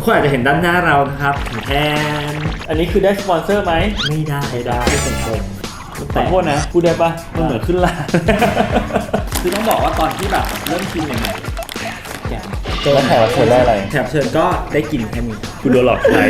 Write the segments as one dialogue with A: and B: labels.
A: คนอาจจะเห็นด้านหน้าเรานะครับแทน
B: อันนี้คือได้สปอนเซอร์ไหม
A: ไม่ได้
B: ไม่ตรงขอโทษนะพูดได้ปะมันเหมือนขึ้นลา
A: คือต้องบอกว่าตอนที่แบบเริ่มกินใหม่ๆ
B: แล้วแขกรับเชิญได้อะไร
A: แขกรับเชิญก็ได้กินแค่นี้
B: คุณโดนหลอกใช้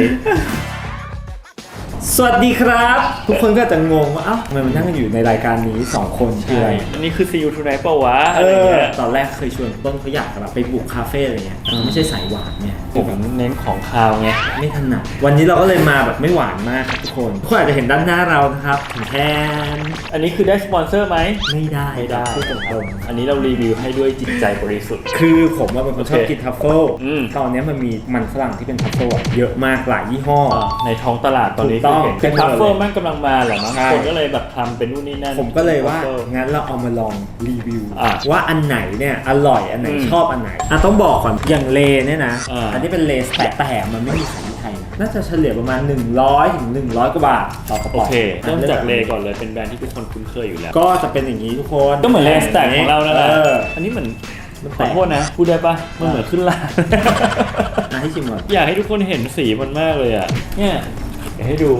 A: สวัสดีครับ ทุกคนก็จะงงว่าเอ้าทำไมมันนั่งอยู่ในรายการนี้2คนคืออะไร
B: อันนี้คือ See You Tonight เปล่าวะอะไรเงี้ย
A: ตอนแรกเคยชวนต้นเขาอยากแบบไปบุกคาเฟ่อะไรเงี้ยไม่ใช่สายหวานเนี่ย
B: ผมเน้นของคาวไง
A: ไม่ถนัดวันนี้เราก็เลยมาแบบไม่หวานมากครับทุกคนอาจจะเห็นด้านหน้าเรานะครับแทน
B: อันนี้คือได้สปอนเซอร์ไหม
A: ไม่ได้พูดตรง
B: อันนี้เรารีวิวให้ด้วยจิตใจบริสุทธิ์
A: ๆคือผมว่าเป็นคนชอบกินทัฟเฟิล ตอนนี้มันมีมันฝรั่งที่เป็นทัฟเฟิลเยอะมากหลายยี่ห้อ
B: ในท้องตลาดตอนนี้
A: ถูกต้อง
B: คือทัฟเฟิลมันกำลังมาแหละมั้ง
A: ใช่
B: คนก็เลยแบบทำเป็นนู่นนี่นั่น
A: ผมก็เลยว่า
B: Truffle
A: งั้นเราเอามาลองรีวิว
B: อ่ะ
A: ว่าอันไหนเนี่ยอร่อยอันไหนชอบอันไหนต้องบอกก่อนอย่างเลเนี่ยนะ อันนี้เป็นเลสแต่มันไม่มีขายที่ไทยนะน่าจะเฉลี่ยประมาณ100 ถึง 100 กว่าบาทต่อกระ
B: โอ
A: ป๋อง
B: เคเริ่มจากเลก่อนเลยเป็นแบรนด์ที่ทุกคนคุ้นเคยอยู่แล้ว
A: ก็จะเป็นอย่างนี้ทุกคน
B: ก็เหมือนเลสแต็กของเรานั่นแหละ
A: ออ
B: อันนี้เหมือน
A: มัน
B: ข
A: แต
B: อก โทษนะพูดได้ปะมันเหมือนขึ้นลา
A: ให้ชิมก่อน
B: อยากให้ทุกคนเห็นสีมันมากเลยอ่ะเนี่ยอยากให้ดู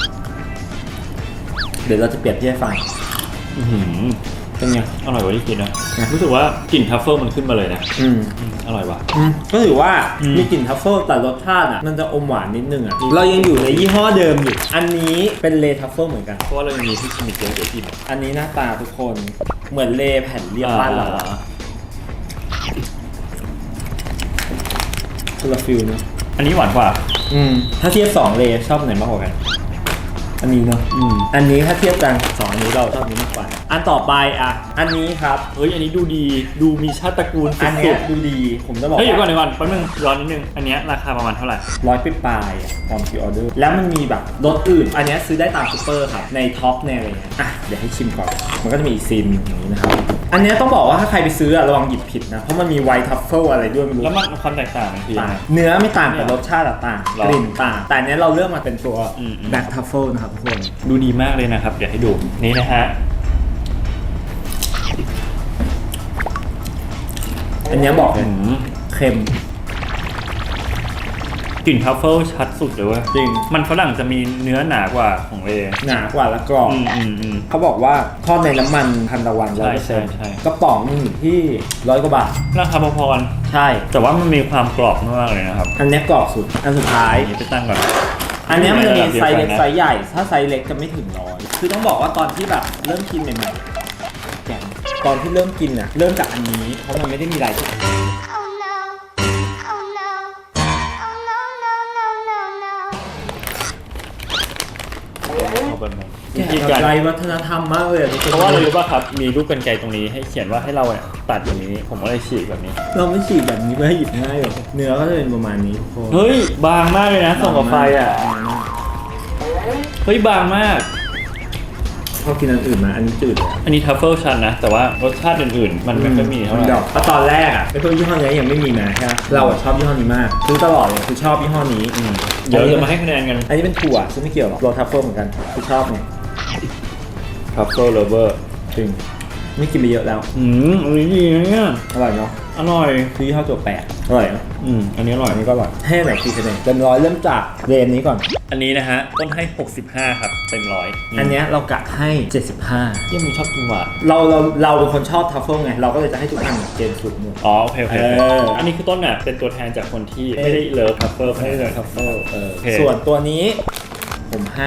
A: เดี๋ยวเราจะเปรียบเทียบให้ฟัง
B: เป็นไงอร่อยกว่าที่คิดนะรู้สึกว่ากลิ่นทัฟเฟิลมันขึ้นมาเลยนะอร่อยว่ะ
A: ก็ถือว่ามีกลิ่นทัฟเฟิลแต่รสชาติอ่ะมันจะอมหวานนิดนึงอ่ะเรายังอยู่ในยี่ห้อเดิมอยู่อันนี้เป็นเลทัฟเฟิลเหมือนกัน
B: เพราะว่าเรายังมีที่ชิมิเจอร์เดี๋ยวกิน
A: อันนี้หน้าตาทุกคนเหมือนเลแผ่นเรียบบ้านเราคนละฟิลนะ
B: อันนี้หวานกว่า
A: ถ้าเทียบ2เลชอบไหนมากกว่ากันอันนี้เนาะอันนี้ถ้าเทียบกัน2อันนี้เราชอบนี้มากกว่าอันต่อไปอ่ะอันนี้ครับ
B: เฮ้ยอันนี้ดูดีดูมีชาติตระกูลสุ
A: อันเนี้ย
B: ด
A: ดูดีผมจะบอ
B: ๆ
A: ก
B: เฮ้ยเดี๋ยวก่อนแป๊บนึงย้อนนิดนึงอันเนี้ยราคาประมาณเท่าไหร่
A: 100ปลายๆตอนพรีออเดอร์แล้วมันมีแบบรสอื่นอันเนี้ยซื้อได้ตามซูเปอร์ครับในท็อปในอะไรเงี้ยอ่ะเดี๋ยวให้ชิมก่อนมันก็จะมีอีกซีนอย่างนี้นะครับอันเนี้ยต้องบอกว่าถ้าใครไปซื้อระวังหยิบผิดนะเพราะมันมีไวท์ทัฟเฟิลอะไรด้วยไม่รู้
B: แล้วมันความแตกต่างมันคือ
A: ต่างเนื้อไม่ต่างแต่รสชาติต่าง
B: หรอ
A: กลิ่นต่างแต่อันเนี้ยเราเลือกมาเป็นตัว
B: อืม
A: แบล็คทัฟเฟิลนะครับทุกคน
B: ดูดีมากเลยนะครับเดี๋ยวให้ดูนี่นะฮะ
A: อันเนี้ยบอกเลยเค็ม
B: กลิ่นทัฟเฟิลชัดสุดเลยเว้ย
A: จริง
B: มันฝรั่งจะมีเนื้อหนากว่าของเล
A: หนากว่าและกรอบ เขาบอกว่าทอดในน้ำมันทันตะวัน
B: ใช่
A: 100%กระป๋องนึงอยู่ที่100 กว่าบาท
B: ราคาพอๆกัน
A: ใช่
B: แต่ว่ามันมีความกรอบมากเลยนะครับ
A: อันเนี้ยกรอบสุดอันสุดท้าย
B: อันนี้ไปตั้งก่อน
A: อันเนี้ยมันจะมีไซส์เล็ก
B: นะ
A: ไซส์ใหญ่ ถ้าไซส์เล็กจะไม่ถึง100คือต้องบอกว่าตอนที่แบบเริ่มกินใหม่ๆแกะตอนที่เริ่มกินอ่ะเริ่มจากอันนี้เพราะมันไม่ได้มีรายที่
C: Oh no. Oh no. Oh no, no, no, no, no.
B: เอาไปหมด
A: แกะไรวัฒนธรรมมากเลยทุกคน
B: เพราะว่าอะไรรู้ป่ะครับ มีรูปกรรไกรตรงนี้ให้เขียนว่าให้เราเนี่ยตัดอย่างนี้ ผมก็เลยฉีกแบบนี้
A: เราไม่ฉีกแบบนี้เพื่อให้หยิบง่ายหรอกเนื้อก็จะเป็นประมาณนี้ทุกคน
B: เฮ้ย บางมากเลยนะส่องกับไฟอ่ะ เฮ้ย บางมาก
A: พอกินอันอื่นมาอันนี้จืดเลย
B: อันนี้ทัฟเฟิลชันนะ แต่ว่ารสชาติอื่นๆ มันไม่ค่อยมีเท่าไหร่
A: ดอกเพราะตอนแรกอ่ะไอ้พวกยี่ห้อนี้ยังไม่มีมาใช่ไหมเราอะชอบยี่ห้อนี้มากซื้อตลอดเลยคือชอบยี่ห้อนี้
B: เดี๋ยวจะมาให้คะแนนกัน
A: อันนี้เป็นถั่วซึ่งไม่เกี่ยวหรอกโรทัฟเฟิลเหมือนกันคือชอบเนี่ย
B: ทัฟเฟิลเลเวอร์
A: จริงไม่กินไปเยอะแล้ว
B: อันนี้ดีนะเนี่ย
A: อร่อยเนาะ
B: อร่อย
A: คือยี่ห้อตัวแปดอร่อยเนาะ
B: อันนี้อร่อย
A: อันนี้ก็อร่อยให้ไหนกี่คะแนนเต็มร้อยเริ่มจากเรนนี้ก่อน
B: อันนี้นะฮะ ต้นให้ 65 ครับ เต็มร้อย
A: อันเนี้ยเรากะให้
B: ยังมีชอบกินหวาน
A: 75เราเป็นคนชอบทัฟเฟิลไงเราก็เลยจะให้ทุกอันเกณฑ์สุดหมด
B: อ๋อโอเค อันนี้คือต้นน่ะเป็นตัวแทนจากคนที่ไม่ได้เลิฟทัฟเฟิล
A: ไม่ได้เลยทัฟเฟิล
B: โอเค
A: ส่วนตัวนี้ผมให้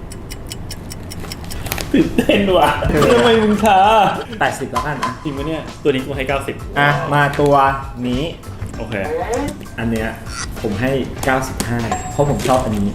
B: ตื่นเต้นว่ะทำไมมึงช้า
A: 80แล้วกันนะ
B: จริงปะเนี่ย ตัวนี้กูให้ 90
A: อ่ะมาตัวนี้
B: โอเค
A: อันเนี้ยผมให้ 95 เพราะผมชอบอันนี้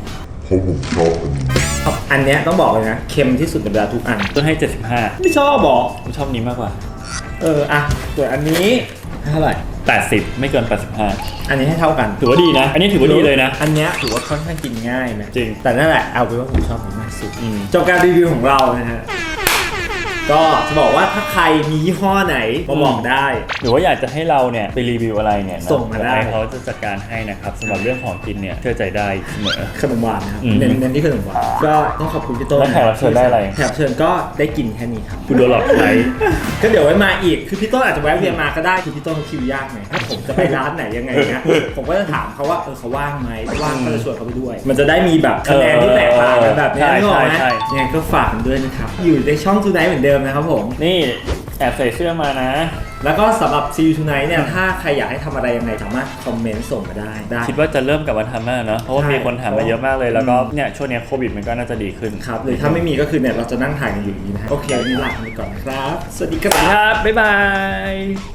A: อันเนี้ยต้องบอกเลยนะเค็มที่สุดในบรรดาทุกอัน
B: ต้นให้
A: ไม่ชอบบอก
B: 75กูชอบนี้มากกว่า
A: อ่ะส่วนอันนี้ให้เท่าไหร่
B: 80 ไม่เกิน 85
A: อันนี้ให้เท่ากัน
B: ถือว่าดีนะ อันนี้ถือว่าดีเลยนะ
A: อันเนี้ยถือว่าค่อนข้างกินง่ายนะ
B: จริง
A: แต่นั่นแหละเอาเป็นว่าผมชอบมันมากสุด
B: อืม
A: จบการรีวิวของเรานะฮะก็จะบอกว่าถ้าใครมียี่ห้อไหนมาบอกได้
B: หรือว่าอยากจะให้เราเนี่ยไปรีวิวอะไรเนี่ยนะ
A: ส่งมาได้
B: เดี๋ยวเขาจะจัดการให้นะครับสำหรับเรื่องของกินเนี่ยเชื่อใจได้เสมอ
A: ขนมหวานนะครับ
B: อืม
A: เน้นที่ขนมหวานก็ต้องขอบคุณพี่ต้น
B: แล้วแขกรับเชิญได้อะไร
A: แขกรับเชิญก็ได้กินแค่นี้ครับ
B: คุณโดนหลอกใช้
A: ก็เดี๋ยวไว้มาอีกคือพี่ต้นอาจจะแวะเวียนมาก็ได้คือพี่ต้นเขาคิวยากไงถ้าผมจะไปร้านไหนยังไงเนี่ยผมก็จะถามเขาว่าเขาว่างไหมว่างก็จะชวนเขาไปด้วย มันจะได้มีแบบคะแนนที่แตกต่างกันแบบนี้
B: ใช่
A: นึกออกไหม
B: ใช่
A: ยังไงก็ฝากกันด้วยนะครับอยู่ในช่อง Tonight เหมือนเดิมนะครับผม
B: นี่แอบใส่เสื้อมานะ
A: แล้วก็สำหรับ See You Tonight เนี่ยถ้าใครอยากให้ทำอะไรยังไงสามารถคอมเมนต์ส่งมาได้
B: คิดว่าจะเริ่มกลับมาทำแล้วเนอะเพราะว่า
A: ใช่
B: มีคนถามมาเยอะมากเลยแล้วก็เนี่ยช่วงเนี้ยโควิดมันก็น่าจะดีขึ้น
A: ครับหรือถ้าไม่มีก็คือเนี่ยเราจะนั่งถ่ายกันอยู่อย่างนี้นะฮะโอเควันนี้ลาไปก่อนนะครับ สวัสดีค
B: ค
A: รั
B: รับ บบ๊ายบาย